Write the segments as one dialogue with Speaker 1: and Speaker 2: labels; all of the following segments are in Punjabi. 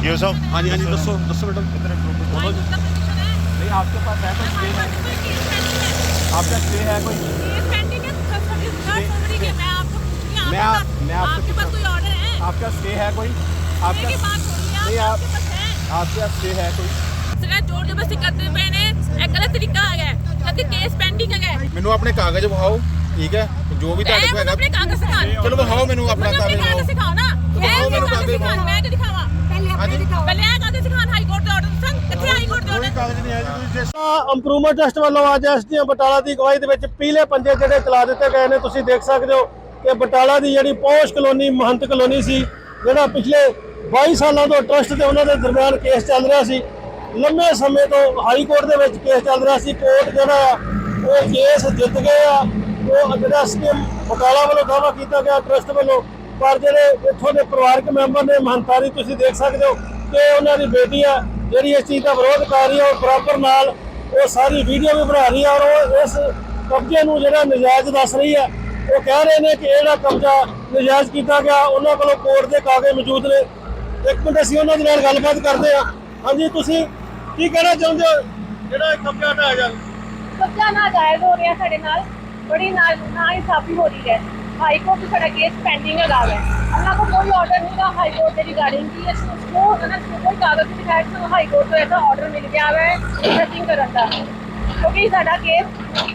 Speaker 1: ਡੀओ साहब।
Speaker 2: हाँ जी दसो दसो मैडम। बोलो जी। नहीं आपके पास है कोई स्टे है? आपका स्टे है कोई? मैं आपके पास कोई ऑर्डर है? आपका स्टे है कोई? आपका नहीं आपका स्टे है कोई?
Speaker 3: जोर जबरदस्ती करते पे ने एक गलत तरीका आ गया क्योंकि केस पेंडिंग है।
Speaker 2: मैनू अपने कागज दिखाओ, ठीक है, जो भी ਤੁਹਾਡੇ ਕੋਲ ਹੈਗਾ
Speaker 3: अपने कागज दिखा।
Speaker 2: चलो दिखाओ मैनू अपना कागज
Speaker 3: दिखाओ ना।
Speaker 2: दिखाओ मैनू कागज दिखाओ।
Speaker 3: मैं तो दिखावा पहले आ कागज दिखान हाई कोर्ट ਦੇ ਆਰਡਰ ਸੰ ਕਿੱਥੇ ਹਾਈ ਕੋਰਟ ਦੇ ਆਰਡਰ
Speaker 2: ਕਾਗਜ਼ ਨਹੀਂ ਹੈ ਜੀ ਤੁਸੀਂ
Speaker 4: ਇੰਪਰੂਵਮੈਂਟ ਟਰਸਟ ਵੱਲੋਂ ਅੱਜ ਐਸਡੀਐਮ ਬਟਾਲਾ ਦੀ ਅਗਵਾਈ ਦੇ ਵਿੱਚ ਪੀਲੇ ਪੰਜੇ ਜਿਹੜੇ ਚਲਾ ਦਿੱਤੇ ਗਏ ਨੇ। ਤੁਸੀਂ ਦੇਖ ਸਕਦੇ ਹੋ ਕਿ ਬਟਾਲਾ ਦੀ ਜਿਹੜੀ ਪੌਸ਼ ਕਲੋਨੀ ਮਹੰਤ ਕਲੋਨੀ ਸੀ, ਜਿਹੜਾ ਪਿਛਲੇ 22 ਸਾਲਾਂ ਤੋਂ ਟਰਸਟ ਤੇ ਉਹਨਾਂ ਦੇ ਦਰਮਿਆਨ ਕੇਸ ਚੱਲ ਰਿਹਾ ਸੀ। ਲੰਮੇ ਸਮੇਂ ਤੋਂ ਹਾਈ ਕੋਰਟ ਦੇ ਵਿੱਚ ਕੇਸ ਚੱਲ ਰਿਹਾ ਸੀ। ਕੋਰਟ ਜਿਹੜਾ ਆ ਉਹ ਕੇਸ ਜਿੱਤ ਗਏ ਆ। ਉਹ ਜਿਹੜਾ ਐਸਡੀਐਮ ਬਟਾਲਾ ਵੱਲੋਂ ਦਾਅਵਾ ਕੀਤਾ ਗਿਆ ਟਰਸਟ ਵੱਲੋਂ, ਪਰ ਜਿਹੜੇ ਇੱਥੋਂ ਦੇ ਪਰਿਵਾਰਕ ਮੈਂਬਰ ਨੇ ਮਹੰਤਾਰੀ ਤੁਸੀਂ ਦੇਖ ਸਕਦੇ ਹੋ ਕਿ ਉਹਨਾਂ ਦੀ ਬੇਟੀ ਆ ਜਿਹੜੀ ਇਸ ਚੀਜ਼ ਦਾ ਵਿਰੋਧ ਕਰ ਰਹੀ ਹੈ। ਉਹ ਬਰਾਬਰ ਨਾਲ ਉਹ ਸਾਰੀ ਵੀਡੀਓ ਵੀ ਬਣਾ ਰਹੀ ਹੈ ਔਰ ਉਹ ਇਸ ਕਬਜ਼ੇ ਨੂੰ ਜਿਹੜਾ ਨਜਾਇਜ਼ ਦੱਸ ਰਹੀ ਹੈ। ਉਹ ਕਹਿ ਰਹੇ ਨੇ ਕਿ ਜਿਹੜਾ ਕਬਜ਼ਾ ਨਜਾਇਜ਼ ਕੀਤਾ ਗਿਆ ਉਹਨਾਂ ਕੋਲੋਂ ਕੋਰਟ ਦੇ ਕਾਗਜ਼ ਮੌਜੂਦ ਨੇ। ਇੱਕ ਮਿੰਟ ਅਸੀਂ ਉਹਨਾਂ ਦੇ ਨਾਲ ਗੱਲਬਾਤ ਕਰਦੇ ਹਾਂ। ਹਾਂਜੀ, ਤੁਸੀਂ ਕੀ ਕਹਿਣਾ ਚਾਹੁੰਦੇ ਹੋ ਜਿਹੜਾ ਇਹ ਕਬਜ਼ਾ ਹਟਾਇਆ ਜਾਵੇ?
Speaker 3: ਕਬਜ਼ਾ ਨਾ ਜਾਇਜ਼ ਹੋ ਰਿਹਾ ਸਾਡੇ ਨਾਲ, ਬੜੀ ਨਾ ਇਨਸਾਫੀ ਹੋ ਰਹੀ ਹੈ। हाई कोर्ट सारा केस पेंडिंग लगा है। अल्लाह को कोई ऑर्डर नहीं था हाई कोर्ट के रिगार्डिंग की उसको कोई कागज नहीं दिखाया तो हाई कोर्ट को ऐसा ऑर्डर मिल गया है सर्चिंग करने का, क्योंकि साडा केस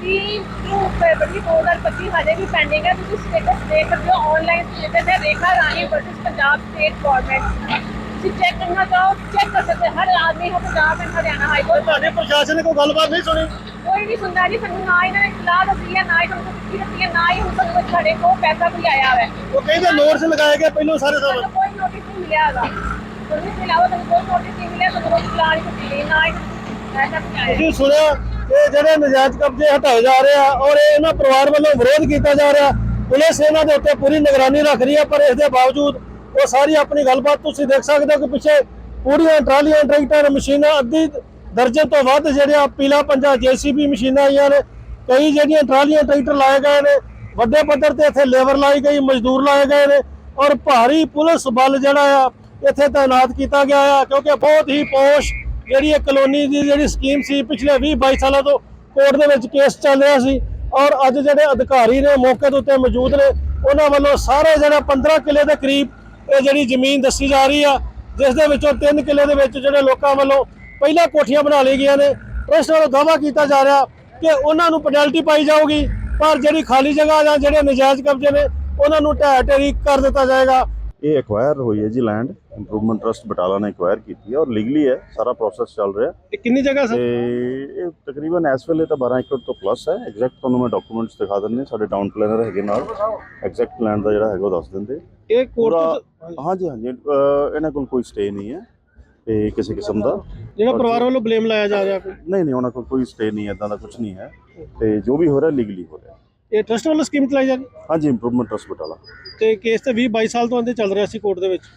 Speaker 3: 3 फरवरी 2025 हजे भी पेंडिंग है। तुम स्टेटस देख सकते हो, ऑनलाइन स्टेटस है Rekha Rani versus Punjab state government. Check करना चाहो चेक कर सकते, हर आदमी है Punjab and Haryana high court.
Speaker 4: ਤੁਹਾਡੇ ਪ੍ਰਸ਼ਾਸਨ ਨੇ ਕੋਈ ਗੱਲਬਾਤ ਨਹੀਂ ਸੁਣੀ?
Speaker 3: कोई नहीं सुनता जी, ਸਾਨੂੰ ਨਾ ਇਹਨਾਂ ਨੇ ਇਤਲਾਹ ਦਿੱਤੀ ਹੈ, ਨਾ ਹੀ ਸਾਨੂੰ ਕੋਈ ਦਿੱਤੀ ਹੈ, ਨਾ ਹੀ ਹੁਣ ਤੱਕ ਸਾਡੇ ਕੋਲ ਪੈਸਾ ਕੋਈ ਆਇਆ ਹੈ।
Speaker 4: ਉਹ ਕਹਿੰਦੇ ਨੋਟਿਸ ਲਗਾਏ ਗਏ ਪਹਿਲਾਂ ਸਾਰੇ ਸਾਲ।
Speaker 3: ਸਾਨੂੰ ਕੋਈ ਨੋਟਿਸ ਨਹੀਂ ਮਿਲਿਆ ਹੈਗਾ। ਤੁਹਾਨੂੰ ਇਸ ਇਲਾਵਾ ਸਾਨੂੰ ਕੋਈ ਨੋਟਿਸ ਨਹੀਂ ਮਿਲਿਆ, ਸਾਨੂੰ ਕੋਈ ਇਤਲਾਹ ਨਹੀਂ ਦਿੱਤੀ, ਨਾ ਹੀ ਪੈਸਾ ਕੋਈ ਆਇਆ।
Speaker 4: ਤੁਸੀਂ ਸੁਣਿਆ ਕਿ ਜਿਹੜੇ ਨਜਾਇਜ਼ ਕਬਜ਼ੇ ਹਟਾਏ ਜਾ ਰਹੇ ਆ ਔਰ ਇਹਨਾਂ ਪਰਿਵਾਰ ਵੱਲੋਂ ਵਿਰੋਧ ਕੀਤਾ ਜਾ ਰਿਹਾ। ਪੁਲਿਸ ਇਹਨਾਂ ਦੇ ਉੱਤੇ ਪੂਰੀ ਨਿਗਰਾਨੀ ਰੱਖ ਰਹੀ ਹੈ, ਪਰ ਇਸ ਦੇ ਬਾਵਜੂਦ ਉਹ ਸਾਰੀ ਆਪਣੀ ਗੱਲਬਾਤ ਤੁਸੀਂ ਦੇਖ ਸਕਦੇ ਹੋ ਕਿ ਪਿੱਛੇ ਪੂਰੀਆਂ ਟਰਾਲੀਆਂ ਟਰੈਕਟਰ ਮਸ਼ੀਨਾਂ ਅੱਧੀ ਦਰਜਨ ਤੋਂ ਵੱਧ ਜਿਹੜੀਆਂ ਪੀਲਾ ਪੰਜਾ ਜੇਸੀਬੀ ਮਸ਼ੀਨਾਂ ਆਈਆਂ ਨੇ। ਕਈ ਜਿਹੜੀਆਂ ਟਰਾਲੀਆਂ ਟਰੈਕਟਰ ਲਾਏ ਗਏ ਨੇ, ਵੱਡੇ ਪੱਧਰ ਤੇ ਇੱਥੇ ਲੇਬਰ ਲਾਈ ਗਈ, ਮਜ਼ਦੂਰ ਲਾਏ ਗਏ ਨੇ ਔਰ ਭਾਰੀ ਪੁਲਿਸ ਬਲ ਜਿਹੜਾ ਆ ਇੱਥੇ ਤਾਇਨਾਤ ਕੀਤਾ ਗਿਆ ਆ, ਕਿਉਂਕਿ ਬਹੁਤ ਹੀ ਪੌਸ਼ ਜਿਹੜੀ ਇਹ ਕਲੋਨੀ ਦੀ ਜਿਹੜੀ ਸਕੀਮ ਸੀ ਪਿਛਲੇ 20-22 ਸਾਲਾਂ ਤੋਂ ਕੋਰਟ ਦੇ ਵਿੱਚ ਕੇਸ ਚੱਲ ਰਿਹਾ ਸੀ। ਔਰ ਅੱਜ ਜਿਹੜੇ ਅਧਿਕਾਰੀ ਨੇ ਮੌਕੇ ਦੇ ਉੱਤੇ ਮੌਜੂਦ ਨੇ, ਉਹਨਾਂ ਵੱਲੋਂ ਸਾਰੇ ਜਿਹੜਾ 15 ਕਿੱਲੇ ਦੇ ਕਰੀਬ ਇਹ ਜਿਹੜੀ ਜ਼ਮੀਨ ਦੱਸੀ ਜਾ ਰਹੀ ਆ, ਜਿਸ ਦੇ ਵਿੱਚੋਂ 3 ਕਿੱਲੇ ਦੇ ਵਿੱਚ ਜਿਹੜੇ ਲੋਕਾਂ ਵੱਲੋਂ ਪਹਿਲਾਂ ਕੋਠੀਆਂ ਬਣਾ ਲਈ ਗਈਆਂ ਨੇ। ਟਰਸਟ ਵੱਲੋਂ ਦਾਅਵਾ ਕੀਤਾ ਜਾ ਰਿਹਾ ਕਿ ਉਹਨਾਂ ਨੂੰ ਪੈਨਲਟੀ ਪਾਈ ਜਾਊਗੀ, ਪਰ ਜਿਹੜੀ ਖਾਲੀ ਜਗ੍ਹਾ ਜਾਂ ਜਿਹੜੇ ਨਜਾਇਜ਼ ਕਬਜ਼ੇ ਨੇ ਉਹਨਾਂ ਨੂੰ ਢਹਿ ਢੇਰੀ ਕਰ ਦਿੱਤਾ ਜਾਏਗਾ।
Speaker 5: ਇਹ ਐਕਵਾਇਰ ਹੋਈ ਹੈ ਜੀ ਲੈਂਡ, ਇੰਪਰੂਵਮੈਂਟ ਟਰਸਟ ਬਟਾਲਾ ਨੇ ਐਕਵਾਇਰ ਕੀਤੀ ਹੈ ਔਰ ਲੀਗਲੀ ਹੈ, ਸਾਰਾ ਪ੍ਰੋਸੈਸ ਚੱਲ ਰਿਹਾ।
Speaker 4: ਇਹ ਕਿੰਨੀ ਜਗ੍ਹਾ ਸਰ?
Speaker 5: ਇਹ ਤਕਰੀਬਨ ਇਸ ਵੇਲੇ ਤਾਂ 12 ਏਕੜ ਤੋਂ ਪਲੱਸ ਹੈ। ਐਗਜ਼ੈਕਟ ਤੁਹਾਨੂੰ ਮੈਂ ਡਾਕੂਮੈਂਟਸ ਦਿਖਾ ਦਿੰਦੇ, ਸਾਡੇ ਟਾਊਨ ਪਲੈਨਰ ਹੈਗੇ ਨਾਲ, ਐਗਜ਼ੈਕਟ ਲੈਂਡ ਦਾ ਜਿਹੜਾ ਹੈਗਾ ਉਹ ਦੱਸ ਦਿੰਦੇ।
Speaker 4: ਇਹ ਕੋਰਟ
Speaker 5: ਹਾਂਜੀ ਇਹਨਾਂ ਕੋਲ ਕੋਈ ਸਟੇ ਨਹੀਂ ਹੈ ਤੇ ਕਿਸੇ ਕਿਸਮ ਦਾ
Speaker 4: ਜਿਹੜਾ ਪਰਿਵਾਰ ਵੱਲੋਂ ਬਲੇਮ ਲਾਇਆ ਜਾ ਰਿਹਾ ਕੋਈ
Speaker 5: ਨਹੀਂ ਉਹਨਾਂ ਕੋਲ ਕੋਈ ਸਟੇ ਨਹੀਂ, ਇਦਾਂ ਦਾ ਕੁਝ ਨਹੀਂ ਹੈ ਤੇ ਜੋ ਵੀ ਹੋ ਰਿਹਾ ਲੀਗਲੀ ਹੋ ਰਿਹਾ।
Speaker 4: ਇਹ ਟਰਸਟ ਵੱਲੋਂ ਸਕੀਮ ਚਲਾਈ ਜਾ ਰਹੀ?
Speaker 5: ਹਾਂਜੀ, ਇੰਪਰੂਵਮੈਂਟ ਟਰਸਟ ਬਟਾਲਾ
Speaker 4: ਤੇ ਕੇਸ ਤੇ 20-22 ਸਾਲ ਤੋਂ ਅੰਦਰ ਚੱਲ ਰਿਹਾ ਸੀ ਕੋਰਟ ਦੇ ਵਿੱਚ।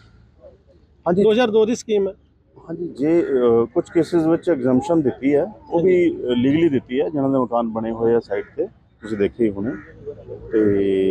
Speaker 5: ਹਾਂਜੀ
Speaker 4: 2002 ਦੀ ਸਕੀਮ ਹੈ।
Speaker 5: ਹਾਂਜੀ, ਜੇ ਕੁਝ ਕੇਸਿਸ ਵਿੱਚ ਐਗਜ਼ੈਂਪਸ਼ਨ ਦਿੱਤੀ ਹੈ, ਉਹ ਵੀ ਲੀਗਲੀ ਦਿੱਤੀ ਹੈ, ਜਿਹਨਾਂ ਦੇ ਮਕਾਨ ਬਣੇ ਹੋਏ ਆ ਸਾਈਡ ਤੇ ਤੁਸੀਂ ਦੇਖੇ ਹੀ ਹੋਣੇ। ਤੇ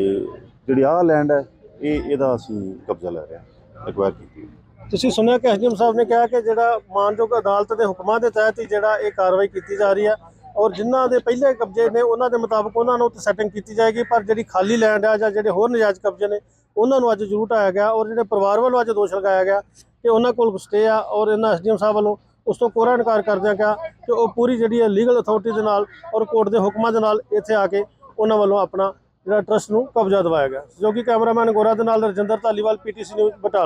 Speaker 5: ਜਿਹੜੀ ਆਹ ਲੈਂਡ ਹੈ ਇਹਦਾ ਅਸੀਂ ਕਬਜ਼ਾ ਲੈ ਰਹੇ ਹਾਂ, ਐਕਵਾਇਰ ਕੀਤੀ।
Speaker 4: ਤੁਸੀਂ ਸੁਣਿਆ ਕਿ ਐਸਡੀਐਮ ਸਾਹਿਬ ਨੇ ਕਿਹਾ ਕਿ ਜਿਹੜਾ ਮਾਨਯੋਗ ਅਦਾਲਤ ਦੇ ਹੁਕਮਾਂ ਦੇ ਤਹਿਤ ਹੀ ਜਿਹੜਾ ਇਹ ਕਾਰਵਾਈ ਕੀਤੀ ਜਾ ਰਹੀ ਹੈ ਔਰ ਜਿਨ੍ਹਾਂ ਦੇ ਪਹਿਲੇ ਕਬਜ਼ੇ ਨੇ ਉਹਨਾਂ ਦੇ ਮੁਤਾਬਕ ਉਹਨਾਂ ਨੂੰ ਸੈਟਿੰਗ ਕੀਤੀ ਜਾਏਗੀ, ਪਰ ਜਿਹੜੀ ਖਾਲੀ ਲੈਂਡ ਆ ਜਾਂ ਜਿਹੜੇ ਹੋਰ ਨਜਾਇਜ਼ ਕਬਜ਼ੇ ਨੇ ਉਹਨਾਂ ਨੂੰ ਅੱਜ ਜ਼ਰੂਰ ਹਟਾਇਆ ਗਿਆ। ਔਰ ਜਿਹੜੇ ਪਰਿਵਾਰ ਵੱਲੋਂ ਅੱਜ ਦੋਸ਼ ਲਗਾਇਆ ਗਿਆ ਕਿ ਉਹਨਾਂ ਕੋਲ ਸਟੇ ਆ ਔਰ ਇਹਨਾਂ ਐਸਡੀਐਮ ਸਾਹਿਬ ਵੱਲੋਂ ਉਸ ਤੋਂ ਕੋਰਾ ਇਨਕਾਰ ਕਰਦਿਆਂ ਕਿਹਾ ਕਿ ਉਹ ਪੂਰੀ ਜਿਹੜੀ ਹੈ ਲੀਗਲ ਅਥਾਰਟੀ ਦੇ ਨਾਲ ਔਰ ਕੋਰਟ ਦੇ ਹੁਕਮਾਂ ਦੇ ਨਾਲ ਇੱਥੇ ਆ ਕੇ ਉਹਨਾਂ ਵੱਲੋਂ ਆਪਣਾ ਜਿਹੜਾ ਟਰਸਟ ਨੂੰ ਕਬਜ਼ਾ ਦਿਵਾਇਆ ਗਿਆ। ਜੋ ਕਿ ਕੈਮਰਾਮੈਨ ਗੋਰਾ ਦੇ ਨਾਲ ਰਜਿੰਦਰ ਧਾਲੀਵਾਲ, PTC ਨਿਊਜ਼ ਬਟਾਲਾ।